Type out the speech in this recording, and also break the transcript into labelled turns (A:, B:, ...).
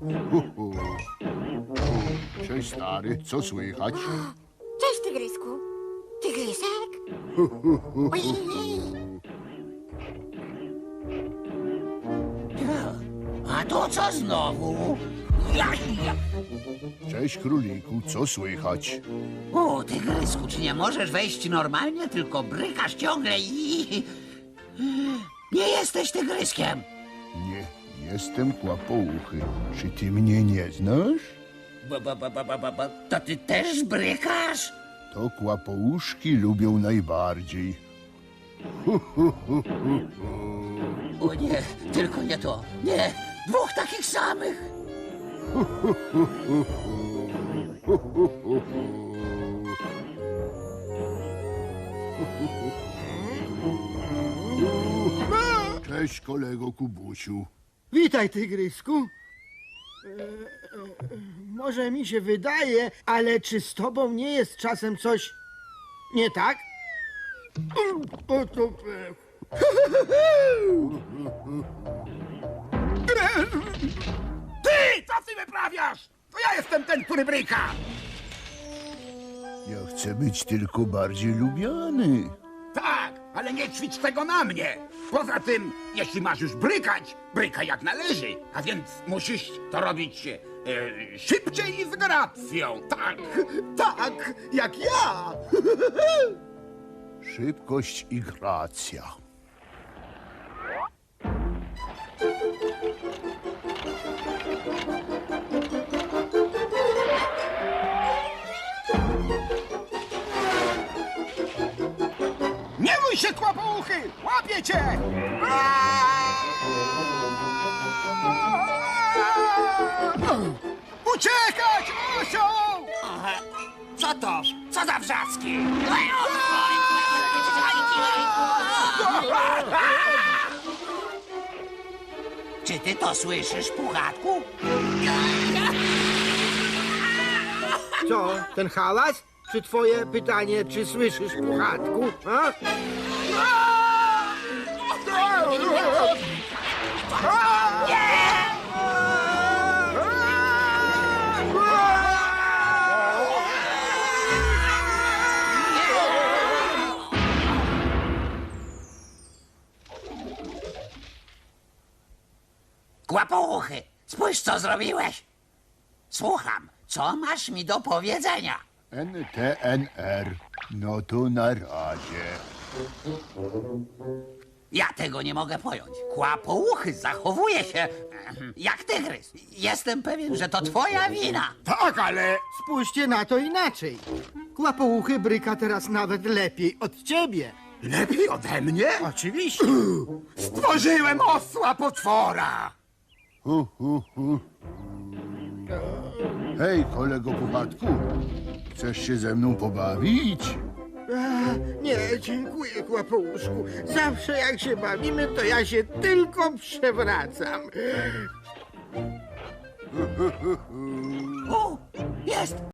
A: Cześć, stary, co słychać?
B: Cześć, tygrysku. Tygrysek? Ojej.
C: A to co znowu?
A: Cześć, króliku, co słychać?
C: O, tygrysku, czy nie możesz wejść normalnie, tylko brykasz ciągle i... Nie jesteś tygryskiem.
A: Nie, jestem kłapouchy. Czy ty mnie nie znasz?
C: To ty też brykasz?
A: To kłapouszki lubią najbardziej.
C: O nie, tylko nie to. Nie, dwóch takich samych.
A: Cześć, kolego Kubusiu.
D: Witaj, tygrysku. Może mi się wydaje, ale czy z tobą nie jest czasem coś nie tak? O, to...
E: Ty! Co ty wyprawiasz? To ja jestem ten, który bryka!
A: Ja chcę być tylko bardziej lubiany.
E: Tak, ale nie ćwicz tego na mnie! Poza tym, jeśli masz już brykać, brykaj jak należy. A więc musisz to robić szybciej i z gracją. Tak, tak, jak ja!
A: Szybkość i gracja.
E: Nie bój się, kłopouchy! Łapię cię! Uciekać, osioł!
C: Co to? Co za wrzaski? Czy ty to słyszysz, Puchatku?
D: Co, ten hałas? Czy twoje pytanie, czy słyszysz, Puchatku? A?
C: Kłapouchy, spójrz, co zrobiłeś. Słucham, co masz mi do powiedzenia?
A: NTNR. No to na razie.
C: Ja tego nie mogę pojąć. Kłapouchy zachowuje się jak tygrys. Jestem pewien, że to twoja wina.
E: Tak, ale...
D: Spójrzcie na to inaczej. Kłapouchy bryka teraz nawet lepiej od ciebie.
E: Lepiej ode mnie?
D: Oczywiście.
E: Stworzyłem osła potwora!
A: Hej, kolego Puchatku, chcesz się ze mną pobawić?
D: Nie, dziękuję, Kłapouszku. Zawsze jak się bawimy, to ja się tylko przewracam.
C: O, jest!